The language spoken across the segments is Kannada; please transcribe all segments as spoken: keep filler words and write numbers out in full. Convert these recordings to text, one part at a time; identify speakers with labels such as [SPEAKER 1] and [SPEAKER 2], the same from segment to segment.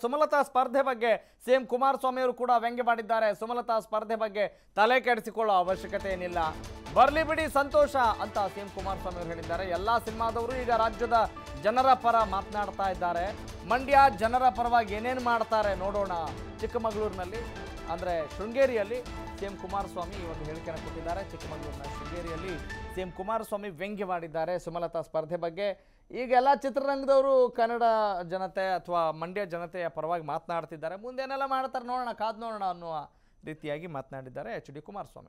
[SPEAKER 1] ಸುಮಲತಾ ಸ್ಪರ್ಧೆ ಬಗ್ಗೆ ಸಿಎಂ ಕುಮಾರಸ್ವಾಮಿ ಅವರು ಕೂಡ ವ್ಯಂಗ್ಯ ಮಾಡಿದ್ದಾರೆ. ಸುಮಲತಾ ಸ್ಪರ್ಧೆ ಬಗ್ಗೆ ತಲೆ ಕೆಡಿಸಿಕೊಳ್ಳೋ ಅವಶ್ಯಕತೆ ಏನಿಲ್ಲ, ಬರ್ಲಿ ಬಿಡಿ ಸಂತೋಷ ಅಂತ ಸಿಎಂ ಕುಮಾರಸ್ವಾಮಿ ಅವರು ಹೇಳಿದ್ದಾರೆ. ಎಲ್ಲಾ ಸಿನಿಮಾದವರು ಈಗ ರಾಜ್ಯದ ಜನರ ಪರ ಮಾತನಾಡ್ತಾ ಇದ್ದಾರೆ. ಮಂಡ್ಯ ಜನರ ಪರವಾಗಿ ಏನೇನು ಮಾಡ್ತಾರೆ ನೋಡೋಣ. ಚಿಕ್ಕಮಗಳೂರಿನಲ್ಲಿ ಅಂದರೆ ಶೃಂಗೇರಿಯಲ್ಲಿ ಸಿಎಂ ಕುಮಾರಸ್ವಾಮಿ ಈ ಒಂದು ಹೇಳಿಕೆಯನ್ನು ಕೊಟ್ಟಿದ್ದಾರೆ. ಚಿಕ್ಕಮಗಳೂರಿನ ಶೃಂಗೇರಿಯಲ್ಲಿ ಸಿಎಂ ಕುಮಾರಸ್ವಾಮಿ ವ್ಯಂಗ್ಯ ಮಾಡಿದ್ದಾರೆ ಸುಮಲತಾ ಸ್ಪರ್ಧೆ ಬಗ್ಗೆ. ಈಗ ಎಲ್ಲ ಚಿತ್ರರಂಗದವರು ಕನ್ನಡ ಜನತೆ ಅಥವಾ ಮಂಡ್ಯ ಜನತೆಯ ಪರವಾಗಿ ಮಾತನಾಡ್ತಿದ್ದಾರೆ. ಮುಂದೇನೆಲ್ಲ ಮಾಡ್ತಾರೆ ನೋಡೋಣ, ಕಾದು ನೋಡೋಣ ಅನ್ನುವ ರೀತಿಯಾಗಿ ಮಾತನಾಡಿದ್ದಾರೆ ಎಚ್ ಡಿ ಕುಮಾರಸ್ವಾಮಿ.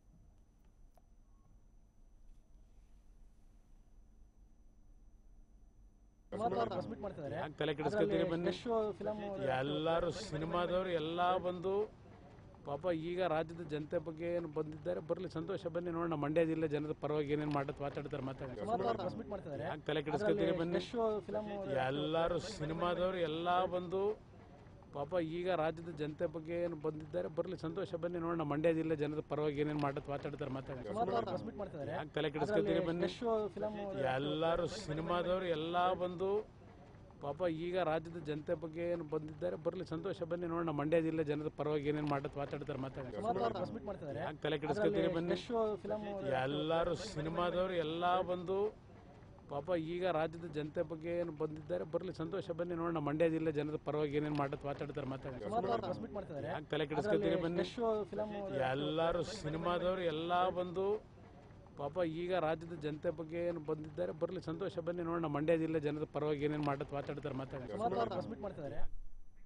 [SPEAKER 2] ತಲೆ ಕೆಡಿಸ್ಕೊತೀರಿ ಬನ್ನಿ, ಎಲ್ಲರೂ ಸಿನಿಮಾದವರು ಎಲ್ಲ ಬಂದು ಪಾಪ ಈಗ ರಾಜ್ಯದ ಜನತೆ ಬಗ್ಗೆ ಏನು ಬಂದಿದ್ದಾರೆ, ಬರಲಿ ಸಂತೋಷ, ಬನ್ನಿ ನೋಡೋಣ. ಮಂಡ್ಯ ಜಿಲ್ಲೆ ಜನದ ಪರವಾಗಿ ಏನೇನು ಮಾಡ ಮಾತಾಡ್ತಾರೆ ಮಾತಾಡ್ತಾರೆ ಯಾಕೆ ತಲೆ ಕೆಡಿಸ್ಕೊತೀರಿ ಬನ್ನಿ, ಎಲ್ಲರೂ ಸಿನಿಮಾದವರು ಎಲ್ಲ ಬಂದು ಪಾಪ ಈಗ ರಾಜ್ಯದ ಜನತೆ ಬಗ್ಗೆ ಏನು ಬಂದಿದ್ದಾರೆ, ಬರಲಿ ಸಂತೋಷ, ಬನ್ನಿ ನೋಡೋಣ. ಮಂಡ್ಯ ಜಿಲ್ಲೆ ಜನದ ಪರವಾಗಿ ಏನೇನು ಮಾಡ ಮಾತಾಡ್ತಾರೆ ಮಾತಾಡ್ತಾರೆ ಯಾಕೆ ತಲೆ ಕೆಡಿಸ್ಕೊತೀರಿ ಬನ್ನಿ, ಎಲ್ಲರೂ ಸಿನಿಮಾದವರು ಎಲ್ಲ ಬಂದು ಪಾಪ ಈಗ ರಾಜ್ಯದ ಜನತೆ ಬಗ್ಗೆ ಏನು ಬಂದಿದ್ದಾರೆ, ಬರಲಿ ಸಂತೋಷ, ಬನ್ನಿ ನೋಡೋಣ. ಮಂಡ್ಯ ಜಿಲ್ಲೆ ಜನದ ಪರವಾಗಿ ಏನೇನು ಮಾಡ ಮಾತಾಡ್ತಾರೆ ಮಾತಾಡ್ತಾರೆ ಯಾಕೆ ತಲೆ ಕೆಡಿಸ್ಕೊತೀರಿ ಬನ್ನಿ, ಎಲ್ಲರೂ ಸಿನಿಮಾದವರು ಎಲ್ಲ ಬಂದು ಪಾಪ ಈಗ ರಾಜ್ಯದ ಜನತೆ ಬಗ್ಗೆ ಏನು ಬಂದಿದ್ದಾರೆ, ಬರಲಿ ಸಂತೋಷ, ಬನ್ನಿ ನೋಡೋಣ. ಮಂಡ್ಯ ಜಿಲ್ಲೆ ಜನದ ಪರವಾಗಿ ಏನೇನು ಮಾಡ ಮಾತಾಡ್ತಾರೆ ಮಾತಾಡ್ತಾರೆ ಯಾಕೆ ತಲೆ ಕೆಡಿಸ್ಕೊತೀರಿ ಬನ್ನಿ, ಎಲ್ಲರೂ ಸಿನಿಮಾದವರು ಎಲ್ಲ ಬಂದು ಪಾಪ ಈಗ ರಾಜ್ಯದ ಜನತೆ ಬಗ್ಗೆ ಏನು ಬಂದಿದ್ದಾರೆ, ಬರಲಿ ಸಂತೋಷ, ಬನ್ನಿ ನೋಡೋಣ. ಮಂಡ್ಯ ಜಿಲ್ಲೆ ಜನದ ಪರವಾಗಿ ಏನೇನು ಮಾಡ ಮಾತಾಡ್ತಾರೆ ಮಾತಾಡ್ತಾರೆ